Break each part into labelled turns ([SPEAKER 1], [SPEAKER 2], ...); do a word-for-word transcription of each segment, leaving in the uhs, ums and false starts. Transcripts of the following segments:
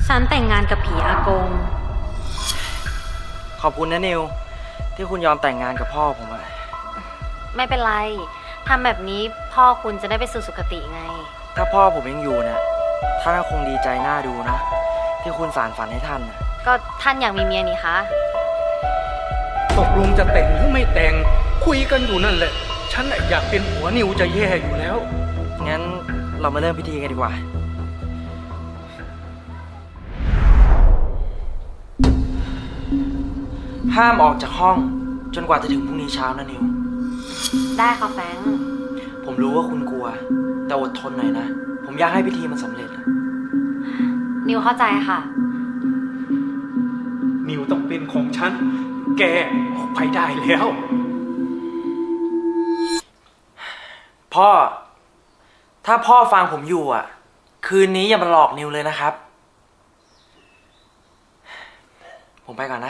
[SPEAKER 1] ฉันแต่งงานกับผีอากง
[SPEAKER 2] ขอบคุณนะนิวที่คุณยอมแต่งงานกับพ่อผมอะ
[SPEAKER 1] ไม่เป็นไรทำแบบนี้พ่อคุณจะได้ไปสู่สุคติไง
[SPEAKER 2] ถ้าพ่อผมยังอยู่เนี่ยท่านคงดีใจน่าดูนะที่คุณสานฝันให้ท่านนะ
[SPEAKER 1] ก็ท่านอยากมีเมียนี่คะ
[SPEAKER 3] ตกลงจะแต่งหรือไม่แต่งคุยกันอยู่นั่นแหละฉันอยากเป็นผัวนิวจะแย่อยู่แล้ว
[SPEAKER 2] งั้นเรามาเริ่มพิธีกันดีกว่าห้ามออกจากห้องจนกว่าจะถึงพรุ่งนี้เช้านะนิว
[SPEAKER 1] ได้ค่ะแฟง
[SPEAKER 2] ผมรู้ว่าคุณกลัวแต่อดทนหน่อยนะผมอยากให้พิธีมันสำเร็จ
[SPEAKER 1] นิวเข้าใจค่ะ
[SPEAKER 3] นิวต้องเป็นของฉันแกออกไปได้แล้ว
[SPEAKER 2] พ่อถ้าพ่อฟังผมอยู่อ่ะคืนนี้อย่ามาหลอกนิวเลยนะครับผมไปก่อนนะ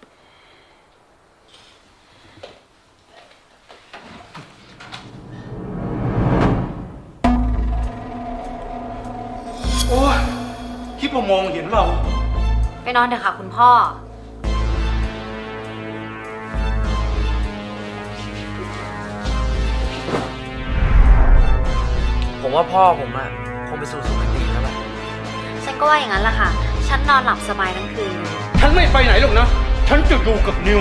[SPEAKER 3] โอ้ยคิดว่ามองเห็นเรา
[SPEAKER 1] ไปนอนเถอะค่ะคุณพ่อ
[SPEAKER 2] ผมว่าพ่อผมอะคงไปสู่สุคติแล้วแหละ
[SPEAKER 1] ฉันก็ว่าอย่างนั้นแหละค่ะฉันนอนหลับสบายทั้งคืน
[SPEAKER 3] ฉันไม่ไปไหนหรอกนะฉันจะอยู่กับนิว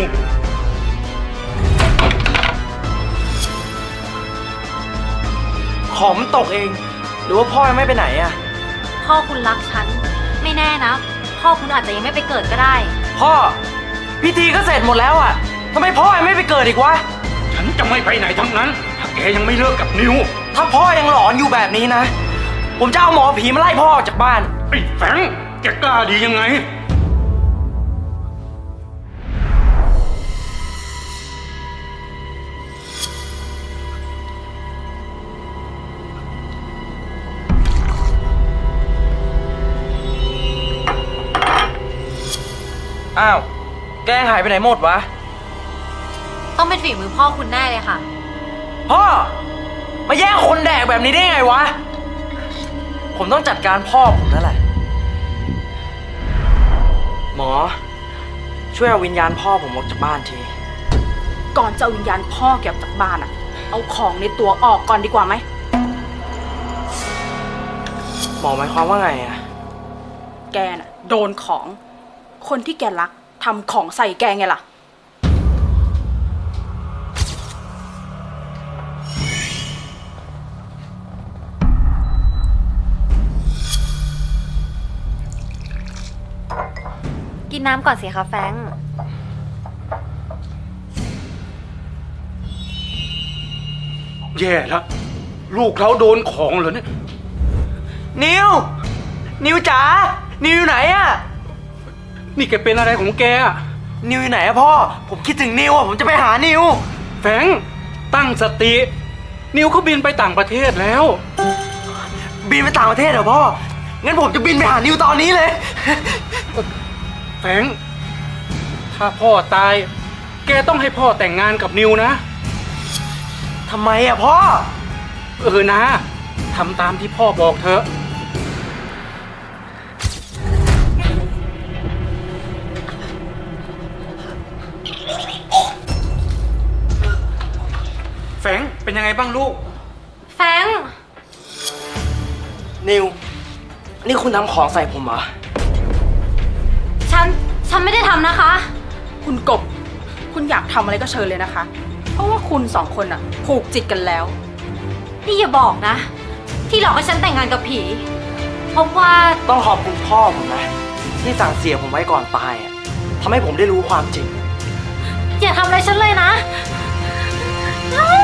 [SPEAKER 2] ของมันตกเองหรือว่าพ่อยังไม่ไปไหนอะ
[SPEAKER 1] พ่อคุณรักฉันไม่แน่นะพ่อคุณอาจจะยังไม่ไปเกิดก็ได้
[SPEAKER 2] พ่อพิธีก็เสร็จหมดแล้วอะทำไมพ่อยังไม่ไปเกิดอีกวะ
[SPEAKER 3] ฉันจะไม่ไปไหนทั้งนั้นถ้าแกยังไม่เลิกกับนิว
[SPEAKER 2] ถ้าพ่อยังหลอนอยู่แบบนี้นะผมจะเอาหมอผีมาไล่พ่อออกจากบ้าน
[SPEAKER 3] ไอ้แฝงแกกล้าดียังไง
[SPEAKER 2] อ้าวแกหายไปไหนหมดวะ
[SPEAKER 1] ต้องเป็นฝีมือพ่อคุณแน่เลยค่ะ
[SPEAKER 2] พ่อมาแย่งคนแดกแบบนี้ได้ไงวะผมต้องจัดการพ่อผมนั่นแหละหมอช่วยเอาวิญญาณพ่อผมออกจากบ้านที
[SPEAKER 4] ก่อนจะเอาวิญญาณพ่อแกออกจากบ้านอะเอาของในตัวออกก่อนดีกว่าไหม
[SPEAKER 2] หมอหมายความว่าไงอะ
[SPEAKER 4] แกน่ะโดนของคนที่แกรักทำของใส่แกไงล่ะ
[SPEAKER 1] กินน้ำก่อนสิคะแฟง
[SPEAKER 3] แย่แล้วลูกเขาโดนของเหรอเนี่ย
[SPEAKER 2] นิวนิวจ๋านิวอยู่ไหนอะ
[SPEAKER 3] นี่แกเป็นอะไรของแกอะ
[SPEAKER 2] นิวอยู่ไหนอะพ่อผมคิดถึงนิวอะผมจะไปหานิว
[SPEAKER 3] แฟงตั้งสตินิวเขาบินไปต่างประเทศแล้ว
[SPEAKER 2] บินไปต่างประเทศเหรอพ่องั้นผมจะบินไปหานิวตอนนี้เลย
[SPEAKER 3] แฟงถ้าพ่อตายแกต้องให้พ่อแต่งงานกับนิวนะ
[SPEAKER 2] ทำไมอะพ่อ
[SPEAKER 3] เออนะทำตามที่พ่อบอกเถอะแฟงเป็นยังไงบ้างลูก
[SPEAKER 1] แฟง
[SPEAKER 2] นิวนี่คุณทำของใส่ผมเหรอ
[SPEAKER 1] ฉันฉันไม่ได้ทำนะคะ
[SPEAKER 4] คุณกบคุณอยากทำอะไรก็เชิญเลยนะคะเพราะว่าคุณสองคนอะผูกจิตกันแล้ว
[SPEAKER 1] นี่อย่าบอกนะที่หลอกให้ฉันแต่งงานกับผีเพราะว่า
[SPEAKER 2] ต้องขอบคุณพ่อผมนะที่สั่งเสียผมไว้ก่อนตายอะทำให้ผมได้รู้ความจริง
[SPEAKER 1] อย่าทำอะไรฉันเลยนะ